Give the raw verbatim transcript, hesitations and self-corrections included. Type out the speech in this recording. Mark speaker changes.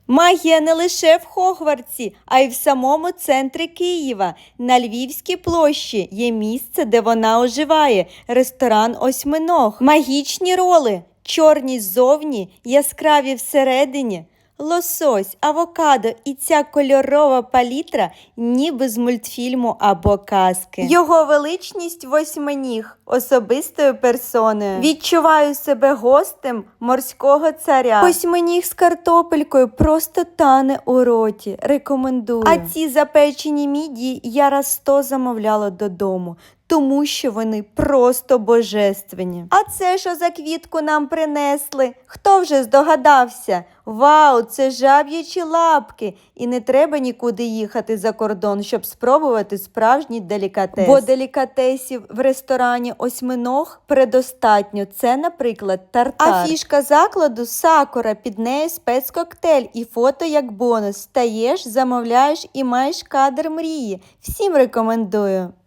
Speaker 1: Магія не лише в Хогвартсі, а й в самому центрі Києва. На Львівській площі є місце, де вона оживає – ресторан «Осьминог». Магічні роли – чорні ззовні, яскраві всередині. Лосось, авокадо і ця кольорова палітра ніби з мультфільму або казки. Його величність восьминіг, особистою персоною. Відчуваю себе гостем морського царя. Восьминіг з картопелькою просто тане у роті. Рекомендую. А ці запечені мідії я раз сто замовляла додому. Тому що вони просто божественні. А це що за квітку нам принесли? Хто вже здогадався? Вау, це жаб'ячі лапки! І не треба нікуди їхати за кордон, щоб спробувати справжній делікатес. Бо делікатесів в ресторані «Осьминог» предостатньо. Це, наприклад, тартар. А фішка закладу – сакура, під нею спецкоктейль і фото як бонус. Стаєш, замовляєш і маєш кадр мрії. Всім рекомендую.